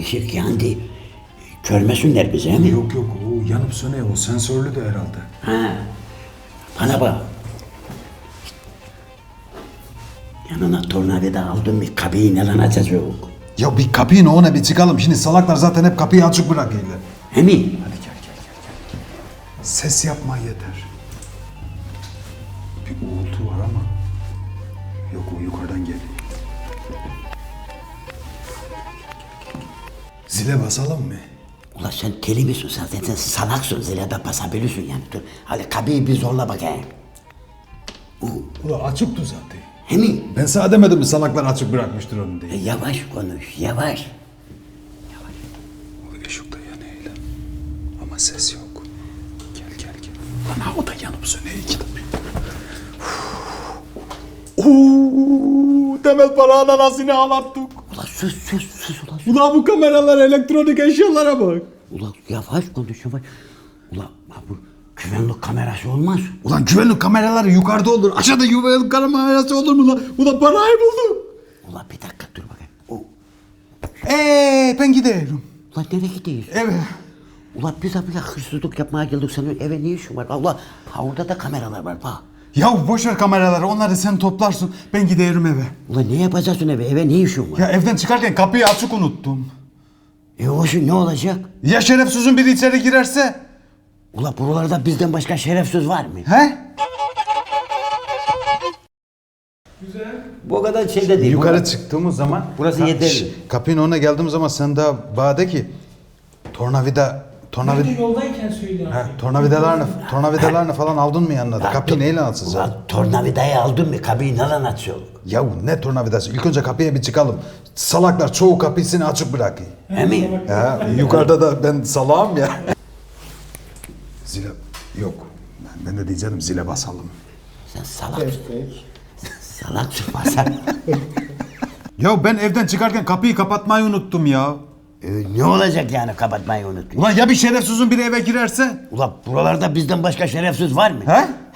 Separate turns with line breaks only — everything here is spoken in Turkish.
ışık yandı. Görmesinler bizi he mi?
Yok yok, o yanıp sönüyor, o sensörlü de herhalde.
Ha. Bana bak. Yanına tornavida aldım bir kapıyı neden açacak?
Ya bir kapıyı ne ona bir çıkalım. Şimdi salaklar zaten hep kapıyı açık bırakıyorlar.
He mi?
Hadi gel. Ses yapma yeter. Bir uğultu var ama. Yok, o yukarıdan geliyor. Zile basalım mı?
Ulan sen deli misin zaten? Sen salaksın, zile de basabilirsin yani. Dur, hadi kapıyı bir zorla bakayım.
Ula açıktı zaten.
He mi?
Ben sana demedim mi salaklar açık bırakmıştır onu diye.
Yavaş konuş, yavaş.
O ışık da yanıyor lan. Ama ses yok. Gel. Ana o da yanıp sönüyor iki tabi. Temel para anasını ağlattık.
Ulan sus ulan.
Ulan bu kameralar, elektronik eşyalara bak.
Ulan yavaş konuş yavaş. Ulan bu güvenlik kamerası olmaz.
Ulan güvenlik kameraları yukarıda olur. Aşağıda güvenlik kamerası olur mu lan? Ulan parayı buldum.
Ulan bir dakika dur bakayım.
Ben gidiyorum.
Ulan nereye gidiyorsun?
Evet.
Ulan biz buraya hırsızlık yapmaya geldik. Senin eve ne işin var? Allah, ha orada da kameralar var bak.
Ya boş ver kameraları, onları sen toplarsın. Ben gidiyorum eve.
Ulan ne yapacaksın eve? Eve ne işin var?
Ya evden çıkarken kapıyı açık unuttum.
Hoşun ne olacak?
Ya şerefsizin biri içeri girerse?
Ulan buralarda bizden başka şerefsiz var mı?
He?
Bu kadar şey de değil.
Yukarı çıktığımız zaman...
Burası yeterli.
Kapının önüne geldiğim zaman sen daha bana de ki... Tornavida...
Ben de yoldayken söyle abi.
Tornavidalarını falan aldın mı yanına da? Kapıyı neyle açacağız?
Ulan tornavidayı aldın mı? Kapıyı neden açıyorsun?
Ya ne tornavidası? İlk önce kapıya bir çıkalım. Salaklar çoğu kapısını açık bırakıyor.
He mi?
Ya yukarıda da ben salağım ya. Zile... Yok. Ben de diyeceğim zile basalım.
Sen salaksın. Salaksın basan.
Ya ben evden çıkarken kapıyı kapatmayı unuttum ya.
Ne olacak yani kapatmayı unuttun?
Ulan ya bir şerefsizin biri eve girerse?
Ulan buralarda bizden başka şerefsiz var mı?
He?